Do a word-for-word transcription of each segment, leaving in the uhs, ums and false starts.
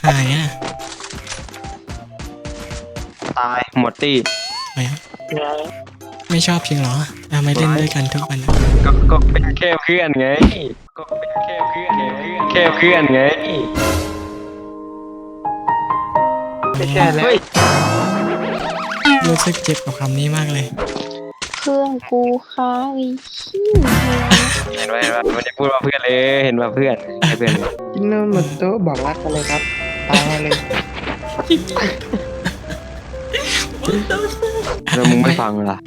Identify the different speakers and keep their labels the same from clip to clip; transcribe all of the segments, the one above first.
Speaker 1: หายอ่ะ
Speaker 2: ตายหมดตี้
Speaker 1: ไปอ่ะไม่ชอบจริงเหรอทำไมเล่นด้วยกันทุกวันอะ
Speaker 2: ก็ก็เป็นแค่เพื่อนไงก็เป็นแค่เพื่อนไงแค่เพื่อนไงไม่ใช่แล้ว
Speaker 1: รู้สึกเจ็บกับคำนี้มากเลย
Speaker 3: เครื่องกูค้างอีขี้
Speaker 2: เห็นไหมเห็นไหมมันจะพูดว่าเพื่อนเลยเห็นว่าเพื่อนแค่เพื่อน
Speaker 4: กินนมหมดโต๊ะบอกรักกันเลยครับตายเลย
Speaker 2: แล้วมึงไม่ฟังล่ะ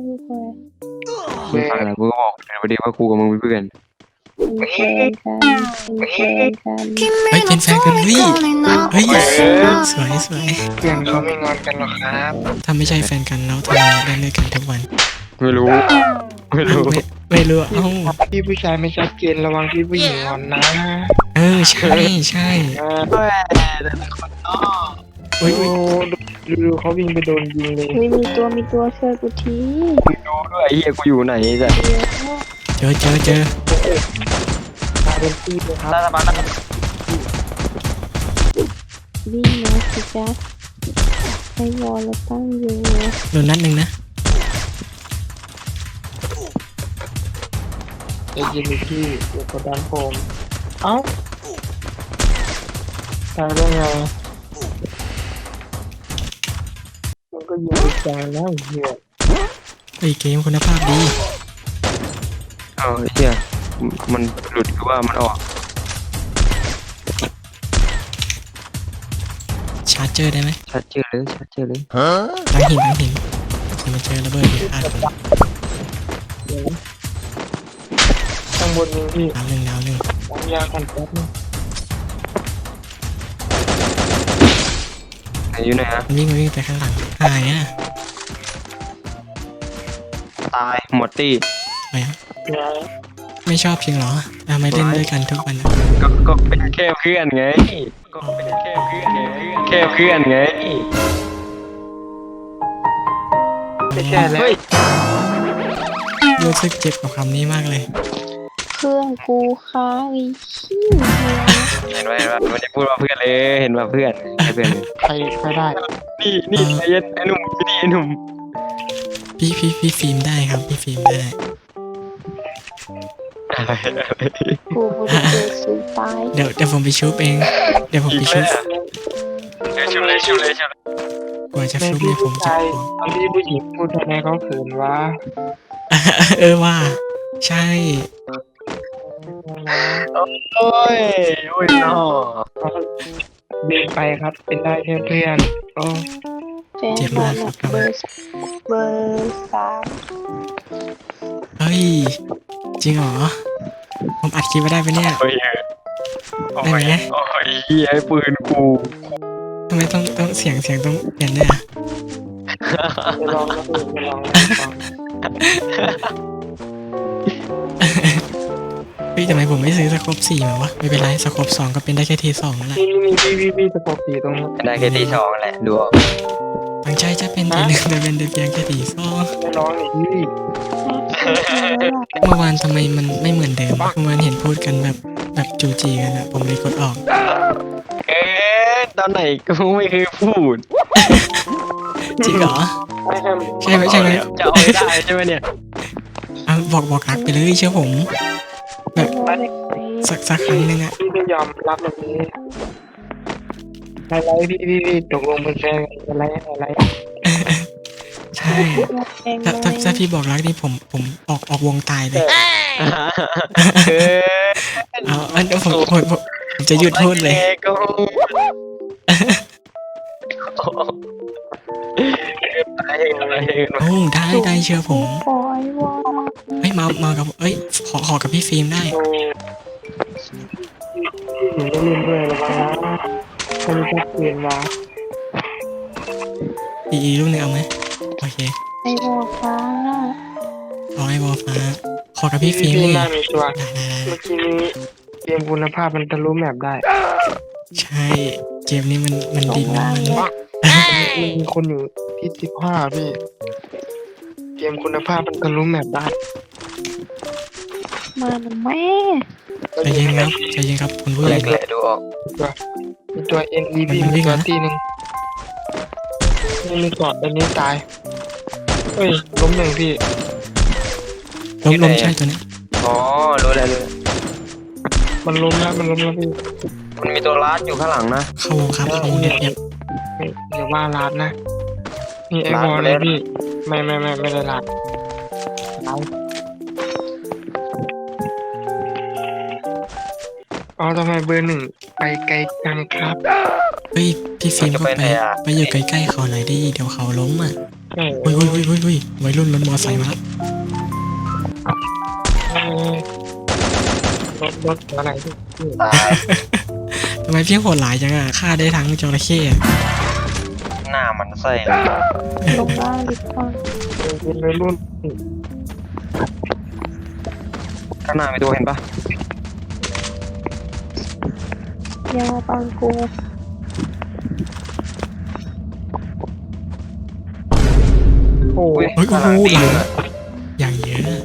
Speaker 2: ไม่ฟังล่ะกูก็บอกพอดีว่ากูกับมึงเป็นเพื่อน
Speaker 3: เป็นแฟนกันเป็นแฟนกัน
Speaker 1: เฮ้ยเป็นแฟนกันเฮ้ยเฮ้ยสวยสวย
Speaker 4: เพื่อนเขาไม่งอนกันหรอกครับ
Speaker 1: ถ้าไม่ใช่แฟนกันแล้วทำไมเล่นด้วยกันทุกวัน
Speaker 2: ไม่รู้ไม่รู้
Speaker 1: ไม่ไม่รู้เอ้า
Speaker 4: พี่ผู้ชายไม่ชัดเจนระวังพี่ผู้หญิงงอนนะ
Speaker 1: เออใช่ใช่
Speaker 4: เออ
Speaker 1: อุ้ย
Speaker 4: โอ้
Speaker 1: อุ้ย
Speaker 4: ดูดูเขาวิ่งไปโดนยิงเลย
Speaker 3: เฮ้ยมีตัวมีตัวช่วยกูที
Speaker 2: กูดูด้วยไอ้เหี้ยกูอยู่ไหนจ้ะ
Speaker 3: เดี๋ยว
Speaker 1: เจอเจอเจอ
Speaker 4: มาเป็นที่เลยครับ
Speaker 2: รัฐบาล
Speaker 3: วิ่งมาสิจ๊ะไอ้วอลเราตั้งอยู่
Speaker 1: โดนนัดหนึ่งนะ
Speaker 4: ไอ้ยิงพี่เดี๋ยวกดดันผมเอ้าตายได้ไงมันก็ยิงไปจานแล้วเหี้ย
Speaker 1: เฮ้ยเกมคุณภาพดี
Speaker 2: เออไอ้เหี้ยมันหลุดหรือว่ามันออก
Speaker 1: ชาร์จเจอร์ได้ไหม
Speaker 2: ชัดเจนเลยชัดเจนเลย
Speaker 1: ตั้งหินตั้งหินจะมาเจอระเบิดอีกอาดผม
Speaker 4: ข้างบนยิงพี่
Speaker 1: ดาวหนึ่งดาวหนึ่ง
Speaker 4: วางยากันแป๊บนึง
Speaker 2: ไหนอยู่ไหนฮะ
Speaker 1: มันวิ่งมันวิ่งไปข้างหลังหายอ่ะ
Speaker 2: ตายหมดตี้
Speaker 1: ไปอ่ะไม่ชอบจริงเหรอทำไมเล่นด้วยกันทุกวันอะ
Speaker 2: ก็ก็เป็นแค่เพื่อนไงก็เป็นแค่เพื่อนไงแค่เพื่อนไงไม่ใช่แล้ว
Speaker 1: รู้สึกเจ็บกับคำนี้มากเลย
Speaker 3: เครื่องกูค้างอีขี้
Speaker 2: เห็นไหมเห็นไหมมันจะพูดว่าเพื่อนเลยเห็นว่าเพื่อนแค่เพื่อน
Speaker 4: ใครใครได้
Speaker 2: นี่นี่ไอ้เย็นไอ้หนุ่มนี่ไอ้หนุ่ม
Speaker 1: พี่พี่พี่ฟิล์มได้ครับพี่ฟิล์มได้
Speaker 3: กูบริเวณสูงตาย
Speaker 1: เดี๋ยวเดี๋ยวผมไปชุบเองเดี๋ยวผมไปชุบ
Speaker 2: เดี๋ยวชุบเลยชุบเลยชุบ
Speaker 1: กว่าจะ
Speaker 4: แม่
Speaker 1: ชุบ
Speaker 4: พี่
Speaker 1: เนี่ยผม
Speaker 4: ผู้
Speaker 1: จะ
Speaker 4: ชายตอนที่ผู้หญิงพูดทำไมเขาเขินวะ
Speaker 1: เออว่าใช่
Speaker 2: โอ้ยโอ้ยน้อ
Speaker 4: เขาเดินไปครับ เป็นได้แค่เพื่อนโอ้
Speaker 3: แฟนบอลอะเบอร์เบอร์สาม
Speaker 1: เฮ้ยจริงเหรอผมอัดคลิปไว้ได้ปะเนี่ย
Speaker 2: โอ้ยโอ้ยโอ้ยเหี้ยปืนกู
Speaker 1: ทำไมต้องต้องเสียงเสียงต้องเปลี่ยนเนี่ย
Speaker 4: จะลองนะพี่จะลองนะลอง
Speaker 1: เฮ้ยทำไมผมไม่ซื้อสโคปสี่มาวะไม่เป็นไรสโคปสองก็เป็นได้แค่ทีสองนั่นแหละ
Speaker 4: นี่นี่พี่พี่พี่ตะโกนตีตรงนี้
Speaker 2: ได้แค่ที่สองแหละดูออก
Speaker 1: ตั้งใจจะเป็นทีหนึ่งแต่เป็นแต่เพียงแค่ทีสอง
Speaker 4: ไม่ร้องหนิพี่
Speaker 1: เมื่อวานทำไมมันไม่เหมือนเดิมเมื่อวานเห็นพูดกันแบบแบบจูจีกันอะผมเลยกดออก
Speaker 2: เอ๊ะตอนไหนกูไม่เคยพูด
Speaker 1: จริงเหรอ
Speaker 4: ไม่ใช่
Speaker 1: ใช่ไหมใช่ไหม
Speaker 2: จะเอาให้ได้ใช่ไหมเนี่ย
Speaker 1: อ่ะบอกบอกรักไปเลยเชื่อผม แบบสักสักครั้งหนึงอะ
Speaker 4: พี่ไม่ยอมรับแบบนี้อะไรพี่พี่พี่ตกลงเป็นแฟนอะไรอะไร
Speaker 1: ใช่ถ้าถ้าถ้าพี่บอกรักนี่ผมผมออกออกวงตายเลย
Speaker 2: เออ
Speaker 1: เอาอันเดี๋ยวผมผมผมผมจะหยุดพูดเลย
Speaker 2: ก็ตายเองอะไรเอง
Speaker 1: โอ้ได้ได้เชื่อผม
Speaker 3: ปล่อยวอล
Speaker 1: เฮ้ยมามากับเอ้ยขอขอกับพี่ฟิล์มได้
Speaker 4: โอ้หนูไม่เล่นด้วยหรอกนะคนจะเปลี่ยนมา
Speaker 1: อีอีลูกหนึ่งเอาไหมโอเค
Speaker 3: ไอ้วอลฟ้า
Speaker 1: ขอให้บอฟ้าขอกับพี่ฟิล์ม
Speaker 4: พี่
Speaker 1: เลย
Speaker 4: น่ามีตัว
Speaker 1: ได้ได้ได้
Speaker 4: เมื่อกี้นี้เกมคุณภาพมันทะลุแมปได้
Speaker 1: ใช่เกมนี้มันมันดีมากเลย
Speaker 4: มันมีคนอยู่ที่สิบห้าพี่ เกมคุณภาพมันทะลุแมปได้
Speaker 3: มาหน่อยแม่
Speaker 1: ใจเย็นครับใจเย็นครับคุณผู้ใหญ่
Speaker 2: แหละดูออก
Speaker 4: เมีตัว เอ็น อี พี
Speaker 1: มันวิ่
Speaker 4: มี
Speaker 1: ง
Speaker 4: ตัว
Speaker 1: นะ
Speaker 4: ตีหนึ่งนี่มีกอดอันนี้ตายเฮ้ยล้มหนึ่งพี่
Speaker 1: ล้มล้มใช่ตัวเนี้ย
Speaker 2: อ๋อรู้แล้วรู้แล้ว
Speaker 4: มันล้มแล้วมันล้มแล้วพี่
Speaker 2: มันมีตัวลัดอยู่ข้างหลังนะ
Speaker 1: เข้าวงครับเข้าวงเงียบเงียบ
Speaker 4: เฮ้ยอย่าว่าลาดนะนี่ไอ้
Speaker 2: ลาด
Speaker 4: บอล
Speaker 2: ไป
Speaker 4: เล
Speaker 2: แล้
Speaker 4: ยว พี่ไม่ไม่ไม่ไม่ได้ลาดเอาอ๋อทำไมเบอร์หนึ่งไปไกลจังครับ
Speaker 1: เฮ้ยพี่ฟิล์มก็ไปไปอยู่ใกล้ๆเขาหน่อยดิเดี๋ยวเขาล้มอ่ะ
Speaker 4: ใช่
Speaker 1: เฮ้ยเฮ้ยเฮ้ยเฮ้ยเฮ้ยวัยรุ่นรถมอไซค์มาแล้ว
Speaker 4: เออรถรถอะไรพี่
Speaker 2: ตาย
Speaker 1: ทำไมพี่โหดหลายจังอ่ะฆ่าได้ทั้งจระเข้อะ
Speaker 2: หน้ามันใส่
Speaker 3: ลงล่างดีกว่า
Speaker 4: เป็นวัยรุ่น
Speaker 2: ข้างหน้ามีตัวเห็นปะ
Speaker 3: อย่ามาปังกู
Speaker 4: โอ้
Speaker 2: อุ้
Speaker 4: ย
Speaker 2: ย
Speaker 1: เฮ้ยโอ้
Speaker 2: ข้างห
Speaker 1: โห
Speaker 2: ลังตี
Speaker 1: หลัง
Speaker 2: เลย
Speaker 1: อย่างเยอะ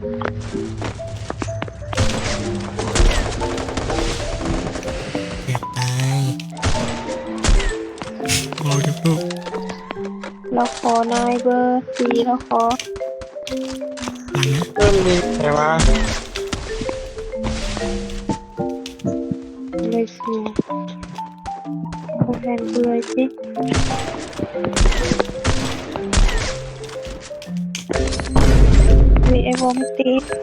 Speaker 1: เกือบตายโอ้ยลูก
Speaker 3: เราขอนายเบอร์สี่เราขอ
Speaker 1: หลังนะ
Speaker 4: เริ่มมีแต่ว่า
Speaker 3: เลยสูโอแทนกูเลยสิมีไอ้วอมตี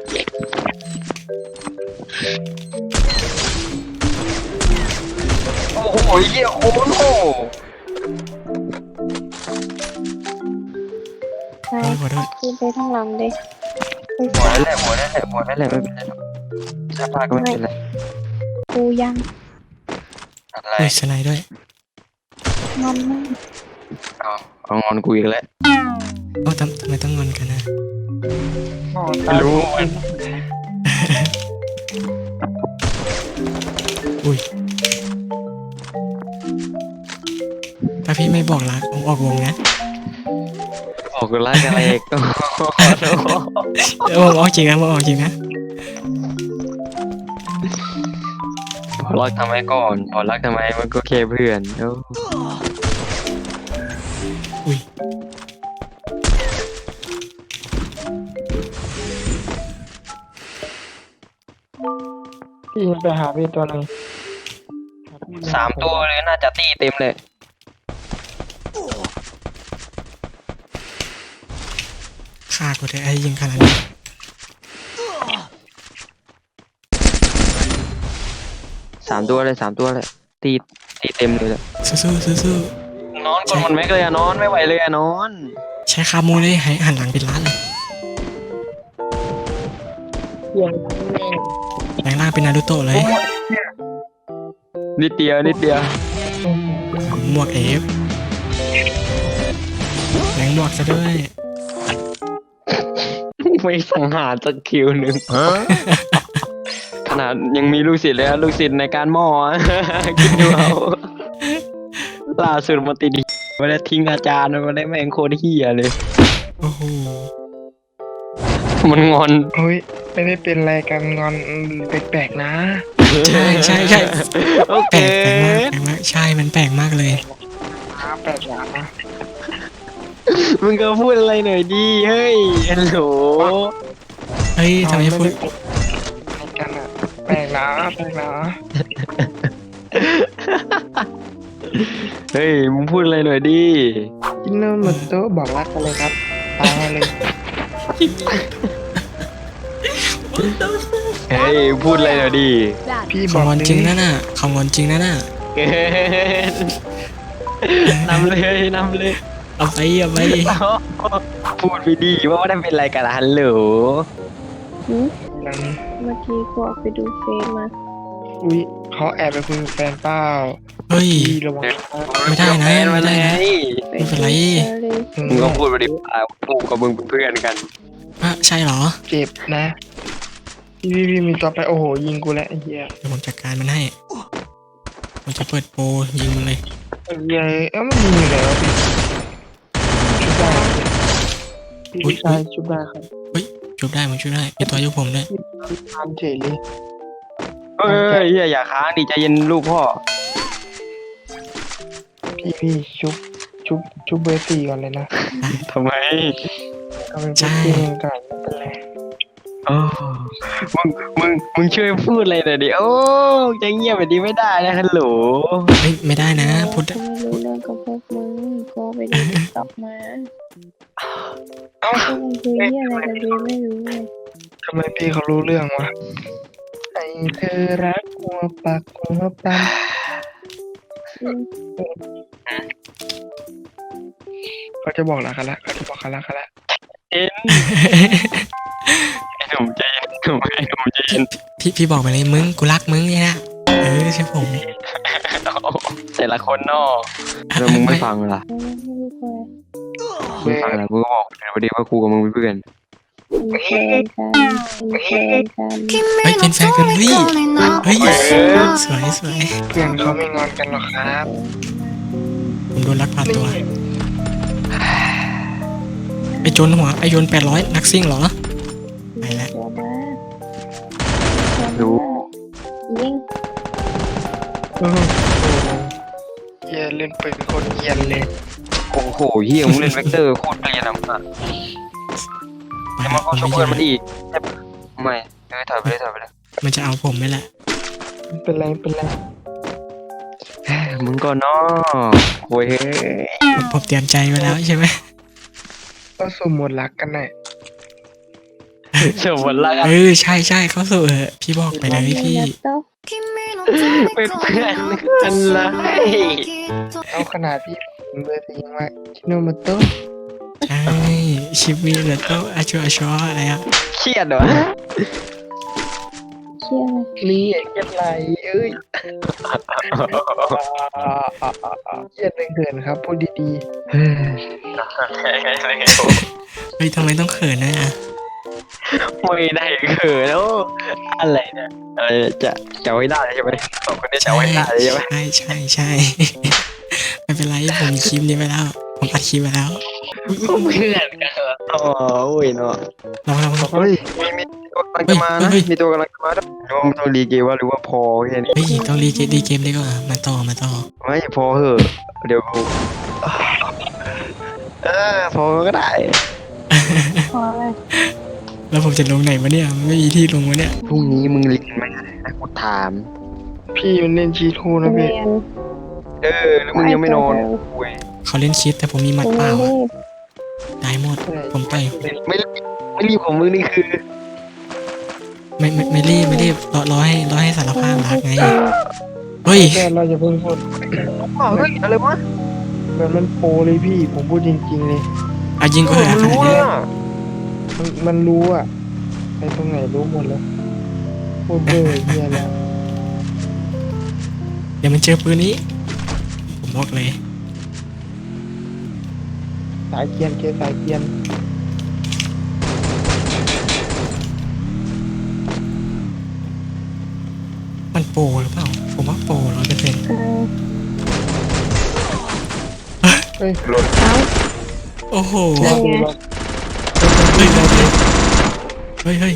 Speaker 2: โอ้โหเหี้ยโคตรโห
Speaker 3: ใช่
Speaker 1: โอ้ยขอโทษ
Speaker 3: ขึ้นไปทางหลังเลยไป
Speaker 2: หัว
Speaker 3: สา
Speaker 2: นั่นแหละหัวนั่นแหละหัวนั่นแหละไม่เป็นไรหรอกชาพาก็ไม่เป็นไร
Speaker 3: กูยัง
Speaker 2: อะไร
Speaker 1: เฮ้ยสไนด์ด้วย
Speaker 3: มันไม่
Speaker 2: เอาเอางอนกูอีกแล้ว
Speaker 1: โอ้ทำทำไมต้องงอนกันนะ
Speaker 4: อ๋อ
Speaker 2: ไม่รู้
Speaker 1: อุ้ยถ้าพี่ไม่บอกรักผมออกวงนะ
Speaker 2: บอกกูไล่กันอะไรอีกต้องขอโทษ
Speaker 1: เออผมออกจริงนะผมออกจริงนะ
Speaker 2: พอรักทำไมก่อนพอรักทำไมมันก็แค่เพื่อนโอ้
Speaker 1: อุ้ย
Speaker 4: พี่ไปหาพี่ตัวหนึง
Speaker 2: สามตัวเลยน่าจะตีเต็มเลย
Speaker 1: ฆ่ากูเถอะไอ้ยิงขนาดนี้
Speaker 2: สามตัวเลยสามตัวเลยตีตีเต็มเลยอะ
Speaker 1: สู้ๆสู้
Speaker 2: นอนกดมันแม็กเลยอะนอนไม่ไหวเลยอะนอน
Speaker 1: ๆใช้คาโมเลยให้หันหลังเป็นล้านเลย
Speaker 4: เสียงแม่ง
Speaker 1: แปลงร่างเป็นนารูโตะเลย
Speaker 2: นิดเดียวนิดเดียว
Speaker 1: หมวกเอฟแหลงหมวกซะด้วย
Speaker 2: ไม่สังหารสักคิวหนึ่งขนาดยังมีลูกศิษย์เลยอะลูกศิษย์ในการหม้อ คิดดูเอาล่าสุดมาติดอีกไม่ได้ทิ้งอาจารย์มาได้แม่งโคตรเฮียเลย
Speaker 1: โอ้โห
Speaker 2: มันงอน
Speaker 4: เฮ้ยไม่ได้เป็นอะไรกันงอนแปลกๆนะ
Speaker 1: ใช่ใช่ใช่
Speaker 2: โอ
Speaker 1: แป
Speaker 2: เค
Speaker 1: ลกแปลกมากแปลกมากใช่มันแปลกมากเลย
Speaker 4: นะแปลกอย่างนะ
Speaker 2: มึงก็พูดอะไรหน่อยดิเฮ้ยฮัลโหล
Speaker 1: เฮ้ยทำไมพูด
Speaker 4: อะไรกันอ่ะแปลกนะแปลกนะ
Speaker 2: เฮ้ยมึงพูดอะไรหน่อยดิ
Speaker 4: กินโนมโตะบอกรักกันเลยครับตายเลย
Speaker 2: เฮ้ยพูดอะไรหน่อยดิ
Speaker 4: พี่บ
Speaker 1: เขา
Speaker 4: อก
Speaker 1: งอน
Speaker 4: เลย
Speaker 1: จริงนะน่ะเขางอนจริงนะน่ะ
Speaker 2: เกินนำเลยนำเลย
Speaker 1: เอาไปเอาไป
Speaker 2: พูดไปดีว่าไม่ได้เป็นอะไรกันล่ะฮัลโหล
Speaker 3: หืม
Speaker 4: นั้น
Speaker 3: เมื่อกี้กูออกไปดูเฟซมา
Speaker 4: อุ้ยเขาแอบไปคุยกับแฟนเปล่า
Speaker 1: เฮ้ย
Speaker 4: พี่ระวังนะ
Speaker 1: ไม่ได้นะ
Speaker 2: แฟนมา
Speaker 1: ไม่ได้
Speaker 2: ไง
Speaker 1: นะ
Speaker 3: ไป
Speaker 1: ไม่เป็นไร
Speaker 3: เจอเลย
Speaker 2: มึงก็พูดไปดิอ่ะกูกับมึงเป็นเพื่อนกัน
Speaker 1: อ่ะใช่เหรอ
Speaker 4: เจ็บนะพี่พี่พี่มีตัวไปโอ้โหยิงกูแล้วไอ้เหี้ย
Speaker 1: เดี๋ยวผมจัดการมันให้ผมจะเปิดโปรยิงมันเลย
Speaker 4: ไอ้เหี้ยเอ้ามันยิงอยู่แล้วพี่ชุบได้พี่ผู้ชายชุบได้ครับ
Speaker 1: ชุบได้ผมชุบได้มีตัวยุคผมด้วย
Speaker 4: พี่ทานเฉยเลย
Speaker 2: เฮ้ยเฮียอย่าค้างดิใจเย็นลูกพ่อ
Speaker 4: พี่พี่ชุบชุบชุบเบอร์สี่ก่อนเลยนะ
Speaker 2: ทำไม
Speaker 4: ก็เป็นพี่ที่มึงก่อนไม่เป็นไร
Speaker 2: โอ้มึงมึงมึงช่วยพูดอะไรหน่อยดิโอ้จะเงียบแบบนี้ไม่ได้นะฮัลโหล
Speaker 1: ไม่ไม่ได้นะพูด
Speaker 3: กูไม่รู้เรื่องกับพวกมึงกูไปดูติ๊กต็อกมา
Speaker 4: เอ้า
Speaker 3: พวกมึงคุยเรื่องอะไรกันดีไม่รู้เลย
Speaker 4: ทำไมพี่เขารู้เรื่องวะไอเธอรักหัวปักหัวปั๊ม
Speaker 3: อืม
Speaker 4: เขาจะบอกรักกันละเขาจะบอกกันรักกันละ
Speaker 2: เอ็นไอ้หนุ่มใจเย็นหนุ่มไอ้หนุ่มใจเย็น
Speaker 1: พี่พี่บอกไปเลยมึงกูรักมึงเนี่ยนะเออใช่ผม
Speaker 2: แต่ละคนเนอะแล้วมึงไม่ฟังล่ะ
Speaker 3: ไม่รู้เลย
Speaker 2: มึงฟังล่ะมึงก็บอกเลยว่าดีว่ากูกับมึงเป็นเพื่อน
Speaker 3: เป็นแฟนกันเป็นแฟนกัน
Speaker 1: เฮ้ยเป็นแฟนกันเฮ้ยเฮ้ยสวยสวย
Speaker 4: เพื่อนเขาไม่งอนกันหรอกครับ
Speaker 1: ผมโดนลักพาตัวไอโจนหัวไอโยนแปดร้อยนักซิ่งเหรอไปแล้ว
Speaker 3: ตัวมา
Speaker 2: รู้
Speaker 3: ยิง
Speaker 4: โอ้โหเฮียเล่นปืนโคตรเฮียนเลย
Speaker 2: โอ้โหเฮียมึงเล่นเวกเตอร์โคตรเกลียดอ่ะมึงอะ
Speaker 1: ไป
Speaker 2: จะ
Speaker 1: แล้
Speaker 2: มาว เข้าชกเพื่อนมันอีกไม่เอ้ยถอยไปเลยถอยไปเลย
Speaker 1: มันจะเอาผมไหมล่ะ
Speaker 4: ไม่เป็นไรไม่เป็นไร
Speaker 2: มึงก็เนาะโว้ยเฮ้ย
Speaker 1: ผมผมเตรียมใจไว้แล้วใช่ไหม
Speaker 4: ก็สมมติรักกันหน่อย
Speaker 2: เชื่อวันละ
Speaker 1: เออใช่ใช่เขาสู่เออพี่บอกไปเลยพี่
Speaker 3: โต
Speaker 2: เป็นเพื่อนกันเลย
Speaker 4: เอาขนาดพี่ผมเบอร์สี่ยังว่าชิโนโมโตะ
Speaker 1: ใช่ชิมิเลโตอาชัวอาชัวอะไรอ่ะ
Speaker 2: เครียดเหรอ
Speaker 3: เชื่อไหม
Speaker 4: นี่ไอ้เกียดไหลเอ้ยเกียดเลยเกินครับพูดดี
Speaker 1: เฮ้ยทำไมต้องเขินนะ
Speaker 2: ไม่ได้เขินแล้วอะไรเนี่ยอะไรจะจะไว้ได้ใช่ไหมสองคนนี้จะไว้ได้ใช่ไหม
Speaker 1: ใช่ใช่ใช่ ไม่เป็นไรผมมีคลิปนี้ไปแล้ว ผมอัดคลิปไปแล้ว
Speaker 2: เพื่อนกันเหรออ๋อโอ้ยเนาะ
Speaker 1: ลองลองลอง
Speaker 4: ๆเฮ้ย
Speaker 2: มีมีตัวกำลังจะมานะมีตัวกำลังจะมาด้วยว่ามันต้องรีเกมว่าหรือว่าพอแค่นี้
Speaker 1: เฮ้ยต้องรีเกมรีเกมดีกว่ามาต่อมาต่อ
Speaker 2: ไม่พอเหอะเดี๋ยวกูเออพอก็ได้
Speaker 3: พอเลย
Speaker 1: แล้วผมจะลงไหนวะเนี่ยไม่มีที่ลงวะเนี่ย
Speaker 2: พรุ่งนี้มึงเรียนไหมนะกูถาม
Speaker 4: พี่มันเล่นชีทูนะพี่
Speaker 3: เรียน
Speaker 2: เออแล้วมึงยังไม่นอนคุย
Speaker 1: เขาเล่นคิดแต่ผมมีหมัด
Speaker 3: กู
Speaker 1: เป
Speaker 3: ไม่
Speaker 1: ล่า
Speaker 3: รี
Speaker 1: อะ
Speaker 3: บ
Speaker 1: ได้หมด ผมต่อย
Speaker 2: ไม่รีบไม่รีบของมึงนี่คือ
Speaker 1: ไม่ไม่ไม่รีบไม่รีบรอรอให้รอให้สารภาพรักไงเฮ้ย
Speaker 4: แต่เราจะเพิ่งพูด
Speaker 2: อ้าวเฮ้ยอะไรวะ
Speaker 4: แบบมันโปรเลยพี่ผมพูดจริงๆเลย
Speaker 1: อายิงก็เหอะ
Speaker 2: มัน
Speaker 1: ขนาด
Speaker 2: รู้
Speaker 1: นี้
Speaker 2: อ่ะ
Speaker 4: มันมันรู้อะไอ้ตรงไหนรู้หมดแล้วพูดเบอร์เฮียแล้ว
Speaker 1: เดี๋ยวมันเจอปืนนี้ ผมบอกเลย
Speaker 4: สายเกียนเกียร์สายเกียน
Speaker 1: มันโปรหรือเปล่า ผมว่าโปรร้อยเปอร์เซ็นต์
Speaker 3: เออ
Speaker 4: เฮ้ย
Speaker 2: หล่น
Speaker 3: เอ้า
Speaker 1: โอ้โห
Speaker 4: รอ
Speaker 3: ไง
Speaker 4: ดูรอ
Speaker 1: เฮ้ยเฮ้ยเฮ้ย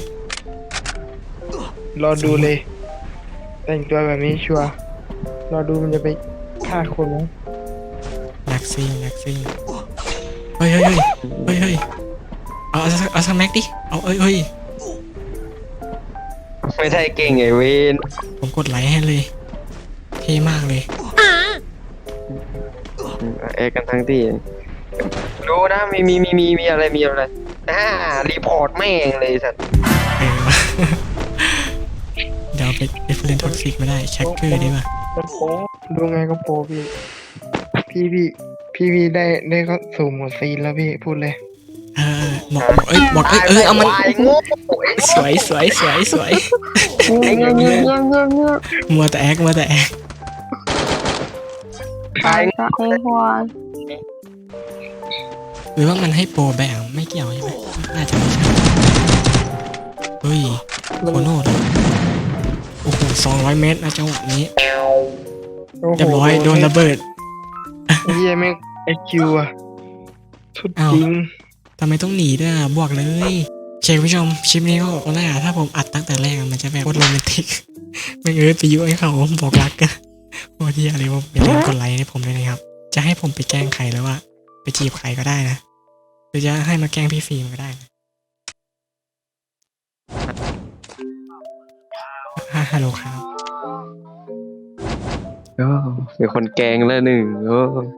Speaker 4: รอดูเลย แต่งตัวแบบนี้ชัวร์รอดูมันจะไปฆ่าคนนะ
Speaker 1: แม็กซิ่งแม็กซิ่งเฮ้ยเฮ้ยเฮ้ยเฮ้ยเฮ้ยเอาเอาสักเอาสักแม็กดิเอาเอ้ยเฮ้ย
Speaker 2: ไม่ใช่เก่งไอ้เวน
Speaker 1: ผมกดไลค์ให้เลยเท่มากเลย
Speaker 2: เอกันทั้งที่รู้นะมีมีมีมีมีอะไรมีอะไรอ่ารีพอร์ตแม่งเลยสัตว์
Speaker 1: เออ เดี๋ยวเอาไปเอฟเลนท็อกซิกไม่ได้แช็คเกอร์ดีป่ะ
Speaker 4: มันโปดูไงก็โปพี่ พี่พี่พี่พี่ได้ได้ก็สู่หมดซีนแล้วพี่พูดเลย
Speaker 1: เออบอกบอกเอ้ยบอกเอ้ยเอ้ยเอามัน
Speaker 2: ไอ้โง่
Speaker 1: สวยสวยสวยสวย
Speaker 3: เงียบเงียบเงียบเงียบเงียบเงียบ
Speaker 1: มัวแต่แอคมัวแต่แอค
Speaker 3: ตายก็ไอ้หัว
Speaker 1: หรือว่ามันให้โปรแบ่งไม่เกี่ยวใช่ไหมน่าจะไม่ใช่เฮ้ยโคโน่เหรอโอ้โหสองร้อยเมตรนะจังหวะนี้
Speaker 4: โอ้โห
Speaker 1: เรียบร้อยโดนระเบิด
Speaker 4: เฮียแม่งไอคิวอะสุด
Speaker 1: อ้าว
Speaker 4: จริง
Speaker 1: ทำไมต้องหนีด้วยอ่ะบวกเลยเชฟผู้ชมคลิปนี้ก็ตอนแรกอะถ้าผมอัดตั้งแต่แรกอะมันจะแบบโคตรโรแมนติก ไม่เออไปยุให้เขาบอกรักกันโอ้ที่อะไรว่าอย่าลืมกดไลค์ให้ผมด้วยนะครับ จะให้ผมไปแกล้งใครแล้วว่า ไปจีบใครก็ได้นะ หรือจะให้มาแกล้งพี่ฟิล์มก็ได้นะฮัฮัลโหลครับ
Speaker 2: โอ้เป็นคนแกล้งแล้วหนึ่งโอ้